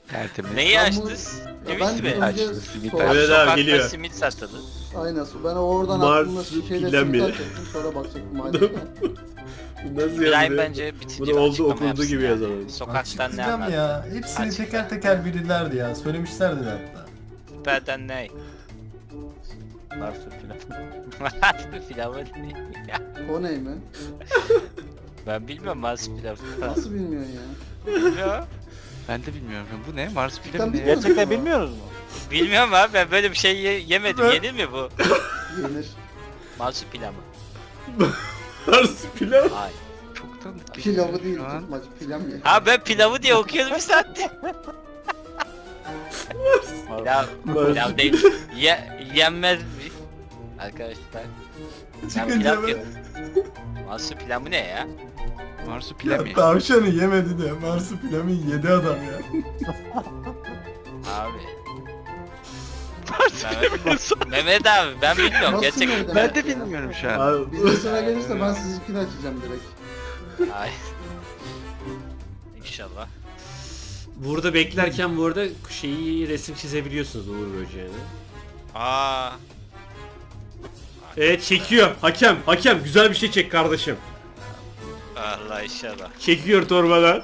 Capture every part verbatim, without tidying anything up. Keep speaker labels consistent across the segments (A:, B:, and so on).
A: Tertemiz.
B: Neyi
C: Ben
B: açtınız?
C: Ya
B: Simit
C: ben
B: mi?
C: önce
A: Açtı, simit
C: so-
A: açtı.
D: Evet abi,
B: Sokakta
D: geliyor.
B: simit satılır.
C: Aynen. Ben oradan
D: Mars
C: aklımda şeyle
D: Pilami.
C: simit açacaktım. Sonra bakacaktım aileye.
D: Nasıl
B: İbrahim
D: yazılıyor?
B: bence bitirici
D: Bunu
B: bir
D: oldu
B: açıklama
D: okunduğu
B: yapsın
D: gibi
B: yani.
D: yazalım.
B: Sokaktan ne
E: Açıklayacağım
B: anlattı?
E: ya. Hepsini
B: Açıkla.
E: teker teker bilirlerdi ya. Söylemişlerdi de hatta.
B: Süperden ne? Marsu pilavı. Marsu pilavı ne?
C: O ney mi?
B: Ben bilmiyorum Marsu pilavı.
C: Nasıl bilmiyorsun ya?
B: Bilmiyorum.
A: Ben de bilmiyorum. Bu ne? Mars
C: Cidden
A: pilavı ne?
C: bilmiyor musun?
F: Gerçekten bilmiyoruz mu?
B: Bilmiyorum abi, ben böyle bir şey ye- yemedim. Yenir mi bu?
C: Yenir.
B: Marsu pilavı.
D: Mars pilav.
B: Ay.
A: Çok tanıdık bir şey
C: Pilavı değil
A: şu an.
C: tutmaç. Pilav ye.
B: Ha ben pilavı diye okuyordum bir saattir. Pilav, pilav değil. Ye, yenmez mi? Arkadaşlar. Ben
E: Çıkınca
B: pilav
E: ben...
B: diyorum. Marsu pilavı ne ya?
A: Marsu pilav
E: Ya,
A: ye.
E: tavşanı yemedi de Marsu pilavı yedi adam ya.
B: Abi. Mehmet, Mehmet abi ben bilmiyorum
C: Nasıl
B: gerçekten.
C: nereden
A: Ben de
C: ya?
A: bilmiyorum şu an.
D: Abi,
C: Bizim sıra gelirse ben sizinkini açacağım direkt.
B: Ay. İnşallah.
D: burada beklerken bu arada şeyi resim çizebiliyorsunuz Uğur Böceği'ne.
B: Aa.
D: Evet çekiyor. Hakem, hakem güzel bir şey çek kardeşim.
B: Allah inşallah.
D: Çekiyor torbadan.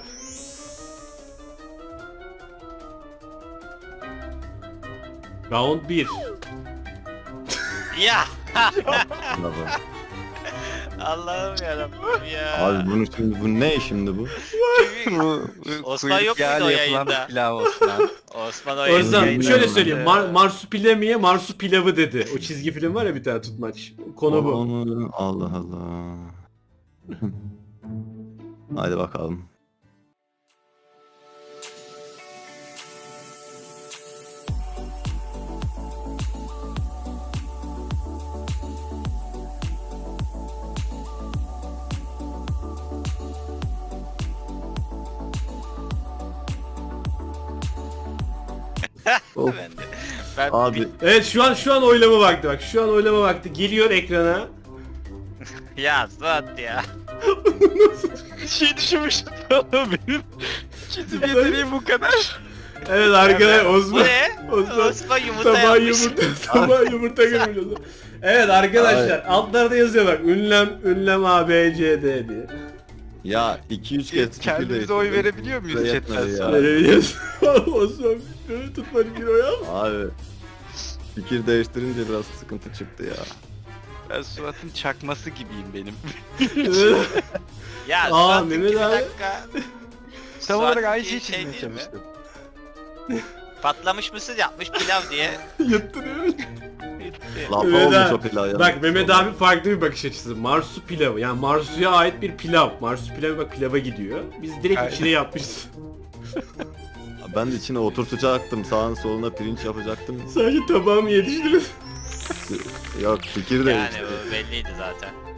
D: Round bir.
B: Ya.
G: Abi,
B: Allah'ım yarabbim ya.
G: abi bunu şimdi bu ne şimdi bu?
A: Bu
B: Osman
A: kuyruk
B: yok muydu
A: yağıyla
B: o
A: yapılan
B: yayında?
A: pilav Osman.
B: Osman o
D: Ozan
B: yayında.
D: şöyle söyleyeyim. Mar Marsupilami'ye Marsu pilavı dedi. O çizgi film var ya bir tane tutmaç. Konu bu.
G: Onu- Allah Allah. Hadi bakalım. Of,
B: Ben de. Ben
G: abi
D: Evet şu an şu an oylama vakti bak. Şu an oylama vakti geliyor ekrana.
B: Ya Suat ya.
A: şey düşünmüştüm benim. Çizim yeteneğim bu kadar.
D: Evet arkadaşlar
B: Bu
D: Osman.
B: ne?
D: Osman.
B: Osman yumurta
D: Sabah
B: yapmış.
D: yumurta, sabah yumurta görmüyoruz. Evet arkadaşlar altlarda yazıyor bak. Ünlem, ünlem A, B, C, D diye.
G: ya iki üç kez fikir
A: Kendimize oy
G: değiştirdim.
A: verebiliyor muyuz
G: Buraya
A: chatten
G: yetmedi ya.
A: sonra?
D: Böyle yazıyor. Osman şöyle tutmadı bir o ya.
G: Abi fikir değiştirince biraz sıkıntı çıktı ya.
A: Ben Suat'ın çakması gibiyim benim.
B: Ya
D: Aa,
B: Suat'ın
D: Mehmet
B: iki
D: abi.
B: dakika.
A: Tam olarak
B: Suat'ın
A: aynı
B: bir
A: şeyi
B: şey
A: çizmeye
B: değil mi?
A: çalıştım.
B: Patlamış mısır yapmış pilav diye.
D: Yuttun.
G: Lapa
D: Mehmet
G: olmuş
D: abi-
G: o pilav ya.
D: Bak Mehmet abi farklı bir bakış açısı. Marsu pilavı. Yani Marsu'ya ait bir pilav. Marsu pilavı bak pilava gidiyor. Biz direkt
A: Aynen.
D: içine yapmışız.
G: Ben de içine oturtacaktım. Sağına soluna pirinç yapacaktım.
D: Sadece tabağımı yetiştirin.
G: Yok fikir
B: Yani
G: değişti.
B: bu belliydi zaten.